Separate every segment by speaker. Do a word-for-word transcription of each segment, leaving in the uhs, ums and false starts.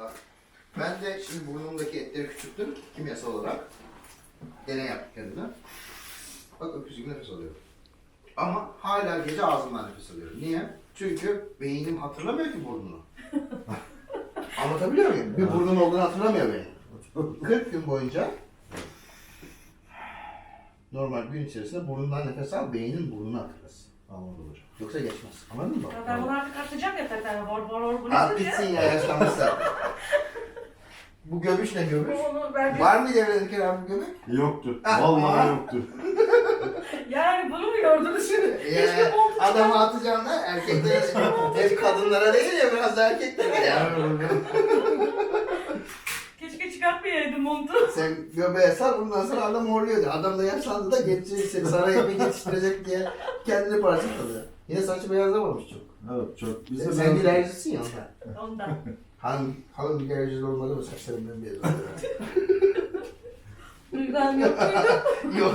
Speaker 1: Bak. Ben de şimdi burnumdaki etleri küçülttüm kimyasal olarak. Deney yaptık kendime. Bak öküz gibi nefes alıyorum. Ama hala gece ağzımdan nefes alıyorum. Niye? Çünkü beynim hatırlamıyor ki burnunu. Anlatabiliyor muyum? Bir burnum olduğunu hatırlamıyor benim. kırk gün boyunca normal gün içerisinde burnundan nefes al, beynin burnunu hatırlasın.
Speaker 2: Anladım hocam.
Speaker 1: Yoksa geçmez. Anladın mı?
Speaker 3: Ya ben bunu artık atacağım ya tabii. Bor bor bor bu
Speaker 1: At
Speaker 3: nedir
Speaker 1: bitsin
Speaker 3: ya?
Speaker 1: ya yaşlanmışsın. Bu göbüş ne göbüş?
Speaker 3: Onu ben
Speaker 1: Var mıydı evde Kerem bu göbüş?
Speaker 2: Yoktu.
Speaker 1: Ah,
Speaker 2: Vallahi
Speaker 1: ah.
Speaker 2: yoktu.
Speaker 3: yani bunu mu gördünüz şimdi? Keşke
Speaker 1: Ya,
Speaker 3: montu
Speaker 1: adamı atacağım da erkeklere, hep kadınlara değil ya biraz da erkeklere ya.
Speaker 3: Keşke çıkartmayaydım montu.
Speaker 1: Sen göbeğe sar bundan sonra adam horluyordu. Adam da yaşlandı da geçecek seni saraya bir yetiştirecek diye kendini parçaladı. Yine saçı beyazlamamış çok.
Speaker 2: Evet çok. Biz
Speaker 1: Sen,
Speaker 2: de
Speaker 1: sen
Speaker 2: ben-
Speaker 1: dilercisin ya ondan.
Speaker 3: Ondan.
Speaker 1: Hanım, hanım dilercisi olmadı mı saçlarımdan beyaz oluyor.
Speaker 3: Duygan yok muydu?
Speaker 1: Yok.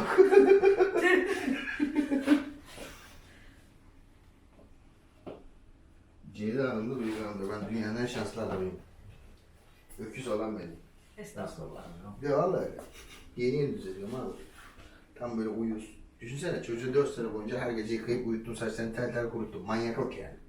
Speaker 1: Ceyda Hanım da Duygu Hanım da. Ben dünyanın en şanslı adamıyım. Öküz olan benim.
Speaker 3: Estağfurullah.
Speaker 1: Ya vallahi öyle. Yeni yeni düzeliyorum abi. Tam böyle uyuz. Düşünsene çocuğu dört sene boyunca her gece yıkayıp uyuttum, saçlarını tel tel kuruttum. Manyaklık yani.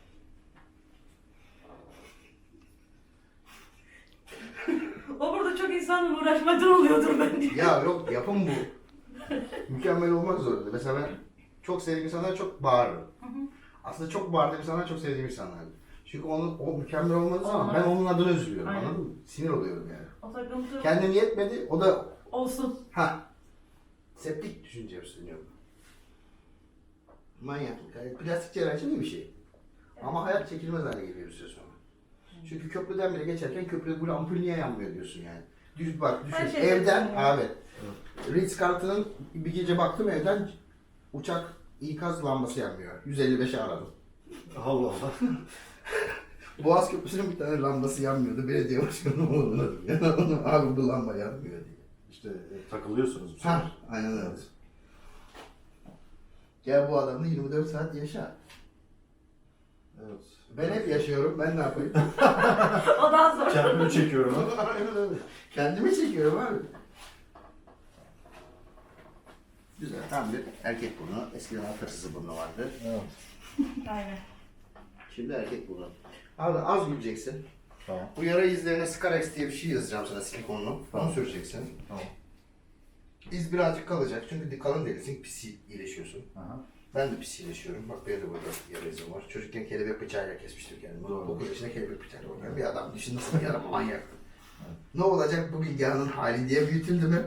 Speaker 3: O burada çok insanla uğraşmadan oluyordur bence.
Speaker 1: Ya yok yapım bu. Mükemmel olmak zorunda. Mesela ben çok sevdiğim insanlar çok bağırırım. Aslında çok bağırdığım insanlar çok sevdiğim insanlar. Çünkü onun, o mükemmel olmadığı zaman
Speaker 3: Olmaz.
Speaker 1: ben onun adına üzülüyorum.
Speaker 3: Aynen.
Speaker 1: Anladın mı? Sinir oluyorum yani.
Speaker 3: O takıntı
Speaker 1: Kendim yetmedi, o da
Speaker 3: olsun.
Speaker 1: ha septik düşünce üstleniyorum. Manyaklık. Yani plastik cerrahi iyi bir şey. Ama hayat çekilmez hale geliyor bir süre sonra. Çünkü köprüden bile geçerken köprüde bu ampul niye yanmıyor diyorsun yani. Düz bak
Speaker 3: Her
Speaker 1: düşün.
Speaker 3: şey
Speaker 1: Evden
Speaker 3: yapıyorsun
Speaker 1: abi. Ritz-Carlton'ın bir gece baktım evden uçak ikaz lambası yanmıyor. yüz elli beşe aradım.
Speaker 2: Allah Allah.
Speaker 1: Boğaz Köprüsü'nün bir tane lambası yanmıyordu. Belediye başkanı onu aradım. Yani onu abi bu lamba yanmıyor diye.
Speaker 2: İşte e, takılıyorsunuz. bu
Speaker 1: Ha,
Speaker 2: sefer.
Speaker 1: aynen öyle. Gel bu adamla yirmi dört saat yaşa.
Speaker 2: Evet.
Speaker 1: Ben hep yaşıyorum. Ben ne yapayım?
Speaker 3: O daha zor.
Speaker 2: Kendimi çekiyorum.
Speaker 1: Aynen öyle. Kendimi çekiyorum abi. Güzel. Tam bir erkek burnu. Eskiden atasızı burnu vardı.
Speaker 2: Evet.
Speaker 3: Aynen.
Speaker 1: Şimdi erkek burnu. Abi az güleceksin.
Speaker 2: Tamam.
Speaker 1: Bu yara izlerine Scarex diye bir şey yazacağım sana silikonlu.
Speaker 2: Tamam.
Speaker 1: Onu süreceksin.
Speaker 2: Tamam.
Speaker 1: İz birazcık kalacak çünkü kalın delisin, pis iyileşiyorsun.
Speaker 2: Aha.
Speaker 1: Ben de pis iyileşiyorum. Bak benim de burada yara izim var. Çocukken kelebek bıçağıyla kesmiştim kendimi.
Speaker 2: Doğru.
Speaker 1: dokuz yaşında kelebek bıçağıyla oynayan bir adam. Düşün nasıl bir adam manyaktı. Ne olacak bu bilgihanın hali diye büyütüldüm hep.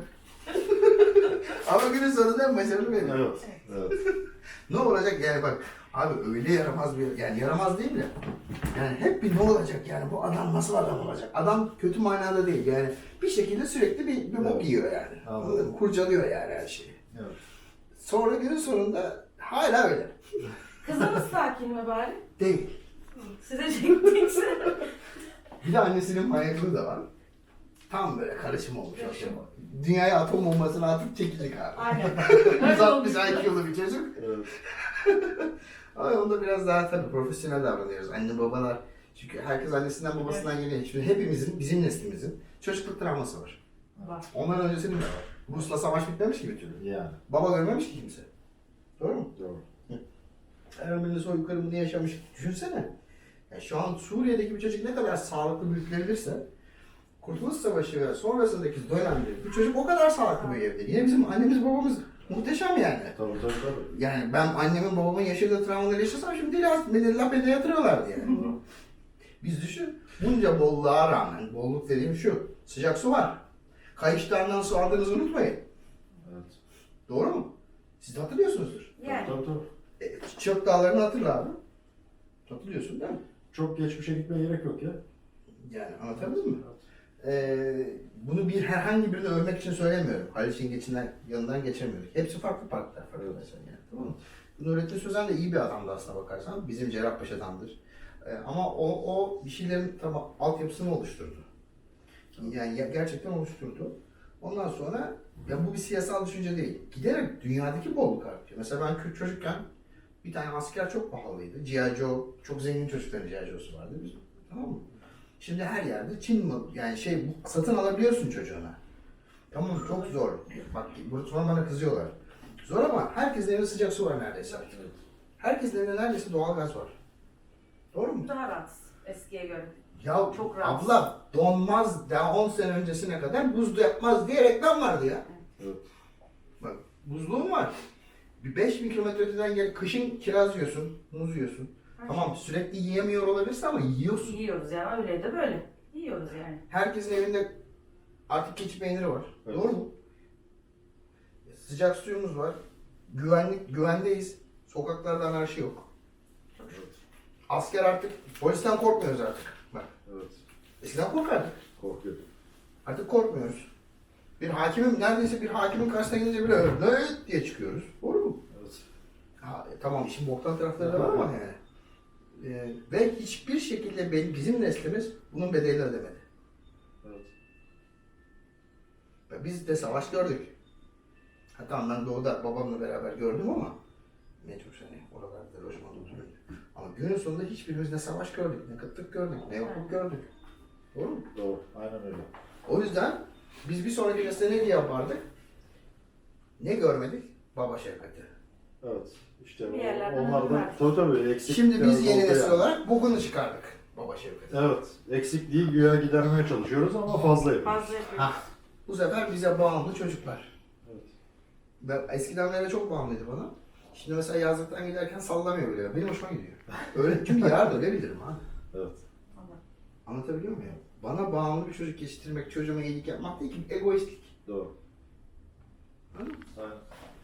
Speaker 1: Ama günün sonunda en başarılı benim.
Speaker 2: Evet. Evet.
Speaker 1: Ne olacak yani bak abi öyle yaramaz bir yani yaramaz değil de yani hep bir ne olacak yani bu adam nasıl adam olacak? Adam kötü manada değil yani bir şekilde sürekli bir, bir bok
Speaker 2: Evet.
Speaker 1: yiyor yani.
Speaker 2: Anladım.
Speaker 1: Anladın mı? Kurcalıyor yani her şeyi.
Speaker 2: Evet.
Speaker 1: Sonra günün sonunda hala öyle.
Speaker 3: Kızımız sakin mi bari?
Speaker 1: Değil.
Speaker 3: Size çektiyse.
Speaker 1: Bir de annesinin manyaklığı da var. Tam böyle karışım olmuş.
Speaker 3: Karışım.
Speaker 1: Dünyaya atom bombasını atıp çekecek abi.
Speaker 3: Aynen.
Speaker 1: yüz altmış I Q'lu bir çocuk.
Speaker 2: Evet.
Speaker 1: Ama onda biraz daha tabii profesyonel davranıyoruz. Anne babalar, çünkü herkes annesinden babasından geliyor. Şimdi hepimizin, bizim neslimizin çocukluk travması var.
Speaker 3: Var.
Speaker 1: Onların öncesinin de var. Rus'la savaş bitmemiş ki bir türlü.
Speaker 2: Yani.
Speaker 1: Baba görmemiş ki kimse. Doğru mu?
Speaker 2: Doğru.
Speaker 1: Ermeni soykırımını yaşamış. Düşünsene. Ya şu an Suriye'deki bir çocuk ne kadar sağlıklı büyütülebilirse Kurtuluş Savaşı ve sonrasındaki dönemde bu çocuk o kadar sağlıklı büyüyebilir. Yine bizim annemiz babamız muhteşem yani.
Speaker 2: Tabii tabii tabii.
Speaker 1: Yani ben annemin babamın yaşadığı travmaları yaşasam şimdi beni lapede yatırıyorlardı yani. Biz düşün, bunca bolluğa rağmen, bolluk dediğim şu, sıcak su var. Kayışlarından su aldığınızı unutmayın.
Speaker 2: Evet.
Speaker 1: Doğru mu? Siz de hatırlıyorsunuzdur.
Speaker 3: Yani.
Speaker 2: Tabii tabii.
Speaker 1: E, Çöp dağlarını hatırla abi. Hatırlıyorsun değil mi?
Speaker 2: Çok geçmişe gitmeye gerek yok ya.
Speaker 1: Yani anlatabildim mi? Ee, bunu bir herhangi birini övmek için söylemiyorum. Haliç'in geçinden yanından geçemiyoruz. Hepsi farklı parklar, farklı mesela yani. Tamam mı? Nurettin Sözen de iyi bir adamdı aslına bakarsan. Bizim Cerrahpaşa'dandır. Ee, ama o, o bir şeylerin tabi altyapısını oluşturdu. Yani ya- gerçekten oluşturdu. Ondan sonra ya bu bir siyasal düşünce değil. Giderek dünyadaki bolluk artıyor. Mesela ben Kürt çocukken bir tane asker çok pahalıydı. G I. Joe, çok zengin çocukların G I. Joe'su vardı bizim. Tamam mı? Şimdi her yerde Çin mi yani şey bu satın alabiliyorsun çocuğuna. Tamam çok zor. Bak burada sonra bana kızıyorlar. Zor ama herkesin evinde sıcak su var neredeyse. Herkesin evinde neredeyse doğalgaz var. Doğru mu?
Speaker 3: Daha rahat eskiye göre.
Speaker 1: Ya
Speaker 3: Çok rahat.
Speaker 1: abla donmaz daha on sene öncesine kadar buzlu yapmaz diye reklam vardı ya.
Speaker 2: Evet.
Speaker 1: Bak buzluğum var. Bir beş bin kilometre öteden gel kışın kiraz yiyorsun, muz yiyorsun. Tamam sürekli yiyemiyor olabilirsin ama yiyorsun.
Speaker 3: Yiyoruz ya öyle de böyle. Yiyoruz yani.
Speaker 1: Herkesin evinde artık keçi peyniri var.
Speaker 2: Evet.
Speaker 1: Doğru mu? Sıcak suyumuz var. Güvenlik, güvendeyiz. Sokaklarda anarşi yok.
Speaker 3: Çok şükür.
Speaker 1: Asker artık, polisten korkmuyoruz artık. Bak,
Speaker 2: Evet.
Speaker 1: eskiden korkardık.
Speaker 2: Korkuyorum.
Speaker 1: Artık korkmuyoruz. Bir hakimin, neredeyse bir hakimin karşısına gidince bile öyle "Nööt" diye çıkıyoruz. Doğru mu?
Speaker 2: Evet.
Speaker 1: Ha, e, tamam işin boktan tarafları da var ama yani. Ee, ve hiçbir şekilde benim, bizim neslimiz bunun bedelini ödemedi.
Speaker 2: Evet.
Speaker 1: Ve biz de savaş gördük. Ha tamam ben doğuda babamla beraber gördüm ama mecbur seni oralarda lojmanda oturuyorum. Ama günün sonunda hiçbirimiz ne savaş gördük, ne kıtlık gördük, ne yokluk gördük. Doğru mu?
Speaker 2: Doğru. Aynen öyle.
Speaker 1: O yüzden biz bir sonraki nesle ne diye yapardık? Ne görmedik? Baba şefkati.
Speaker 2: Evet. İşte
Speaker 3: Bir yerlerden
Speaker 2: onlar da
Speaker 3: öğrenmek.
Speaker 2: tabii tabii eksik.
Speaker 1: Şimdi biz yeni
Speaker 2: oldu
Speaker 1: nesil
Speaker 2: yani.
Speaker 1: olarak bugünü çıkardık. Baba şefkati.
Speaker 2: Evet. Eksikliği güya gidermeye çalışıyoruz ama fazla yapıyoruz.
Speaker 3: Fazla yapıyoruz.
Speaker 1: Ha, bu sefer bize bağımlı çocuklar.
Speaker 2: Evet.
Speaker 1: Ben, eskiden beri çok bağımlıydı bana. Şimdi mesela yazlıktan giderken sallamıyor bile. Benim hoşuma gidiyor. Öyle çünkü yarar dövebilirim ha.
Speaker 2: Evet.
Speaker 3: Vallahi.
Speaker 1: Anlatabiliyor muyum? Bana bağımlı bir çocuk yetiştirmek, çocuğuma iyilik yapmak değil ki egoistlik.
Speaker 2: Doğru.
Speaker 1: Anladın mı?
Speaker 2: Aynen.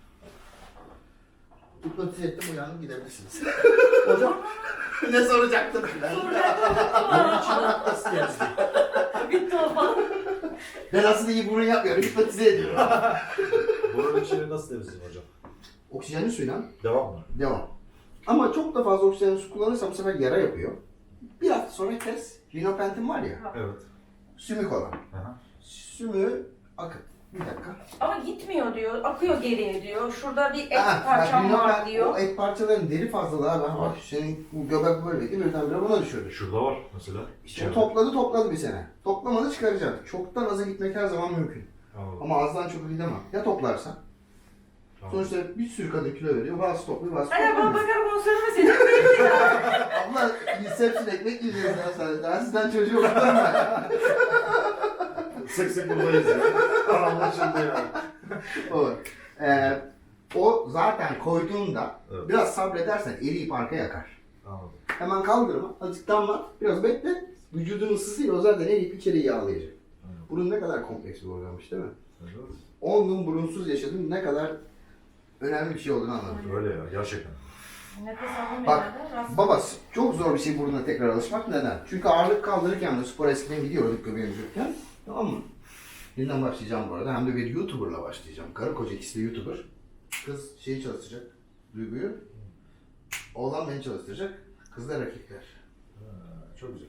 Speaker 1: Hipnotize ettim uyandım gidebilirsiniz. Hocam ne soracaktım ben?
Speaker 2: Bunun için nasıl temizlik?
Speaker 3: Bitti o falan.
Speaker 1: Ben aslında iyi burun yapmıyorum, hipnotize ediyorum.
Speaker 2: Bunun içini nasıl temizleyeyim hocam?
Speaker 1: Oksijenli suyla
Speaker 2: Devam mı?
Speaker 1: devam. Ama çok da fazla oksijenli su kullanırsam bu sefer yara yapıyor. Bir hafta sonra kes. Rinopentin var ya,
Speaker 2: Evet.
Speaker 1: sümük olan.
Speaker 2: Aha.
Speaker 1: Sümüğü akıt. Bir dakika.
Speaker 3: Ama gitmiyor diyor. Akıyor geriye diyor. Şurada bir et
Speaker 1: Ha,
Speaker 3: parçam
Speaker 1: bak,
Speaker 3: var
Speaker 1: rinopen-
Speaker 3: diyor.
Speaker 1: O et parçalarının deri fazlalığı abi. Bak senin bu göbek böyleydi birdenbire buna düşürdü.
Speaker 2: Şurada var mesela.
Speaker 1: İşte topladı topladı bir sene. Toplamadı çıkaracak. Çoktan aza gitmek her zaman mümkün.
Speaker 2: Anladım.
Speaker 1: Ama azdan çok gidemem. Ya toplarsan?
Speaker 2: Tamam.
Speaker 1: Sonuçta bir sürü kadın kilo veriyor. Bazı topluyor, bazı
Speaker 3: Ay ben
Speaker 1: toplamıyor.
Speaker 3: bakarım onu söyleme senin.
Speaker 1: Abla inception ekmek yiyeceğiz ya sen. Daha sizden çocuğu okuyorum ben.
Speaker 2: Sık sık buradayız ya. Anlaşıldı yani.
Speaker 1: O. Ee, o zaten koyduğunda
Speaker 2: Evet.
Speaker 1: biraz sabredersen eriyip arka yakar.
Speaker 2: Anladım.
Speaker 1: Hemen kaldırma, azıcık damlat, biraz bekle. Vücudun ısısıyla o zaten eriyip içeriği yağlayacak.
Speaker 2: Anladım.
Speaker 1: Burun ne kadar kompleks bir organmış değil mi?
Speaker 2: Evet.
Speaker 1: on gün burunsuz yaşadım, ne kadar önemli bir şey olduğunu anladım.
Speaker 2: Öyle ya gerçekten.
Speaker 3: Nefes almamıyor
Speaker 1: Bak,
Speaker 3: herhalde. Rast-
Speaker 1: Baba çok zor bir şey burnuna tekrar alışmak. Neden? Çünkü ağırlık kaldırırken de spor eskiden gidiyorduk göbeğimiz yokken. Tamam mı? Yeniden başlayacağım bu arada. Hem de bir YouTuber'la başlayacağım. Karı koca ikisi de YouTuber. Kız şeyi çalıştıracak. Duyguyu. Oğlan beni çalıştıracak. Kız da erkekler.
Speaker 2: Ha, çok güzel.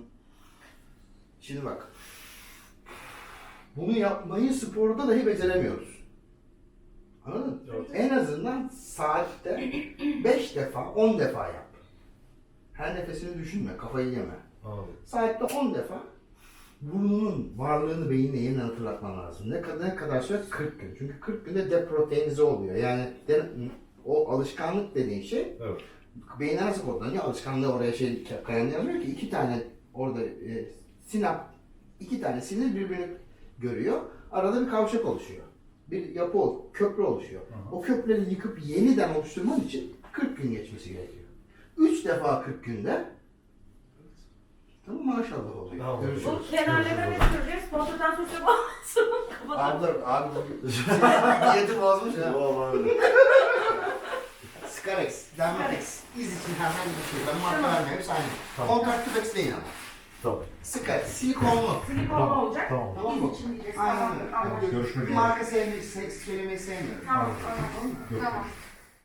Speaker 1: Şimdi bak. Bunu yapmayı sporda dahi beceremiyoruz. Anladın mı?
Speaker 2: Evet.
Speaker 1: En azından saatte beş defa, on defa yap. Her nefesini düşünme, kafayı yeme.
Speaker 2: Anladım.
Speaker 1: Saatte on defa burnunun varlığını beynine yeniden hatırlatman lazım. Ne kadar, ne kadar süre? kırk gün. Çünkü kırk günde deproteinize oluyor. Yani de, o alışkanlık dediğin şey
Speaker 2: Evet.
Speaker 1: beyne nasıl kodlanıyor? Alışkanlığı oraya şey kayan yazmıyor ki iki tane orada e, sinap, iki tane sinir birbirini görüyor. Arada bir kavşak oluşuyor. Bir yapı, ol- köprü oluşuyor.
Speaker 2: Hı hı.
Speaker 1: O köprüleri yıkıp yeniden oluşturman için kırk gün geçmesi gerekiyor. üç defa kırk günde tamam maşallah oluyor.
Speaker 2: Tamam.
Speaker 1: Görüşürüz.
Speaker 3: Bu kenarlara ne süreceğiz? Sponsordan söz yapamazsın. Kapatalım.
Speaker 1: Abla, abi diyeti bozmuş ya.
Speaker 2: Vallahi öyle.
Speaker 1: Scarex, Dermatex, iz için herhangi bir şey. Ben marka
Speaker 3: Tamam.
Speaker 1: vermiyorum, hepsi aynı.
Speaker 2: Tamam.
Speaker 1: Kontakt tübex değil ama.
Speaker 2: Tamam.
Speaker 1: Scarex, silikonlu.
Speaker 3: Silikonlu olacak.
Speaker 2: Tamam.
Speaker 1: Tamam mı?
Speaker 3: Biz için diyeceğiz.
Speaker 1: Aynen
Speaker 3: Tamam.
Speaker 1: öyle.
Speaker 3: Anladım.
Speaker 2: Görüşmek
Speaker 1: Bir
Speaker 2: üzere.
Speaker 1: marka sevmeyi, se- söylemeyi sevmiyorum.
Speaker 3: Tamam. Anladım. Tamam.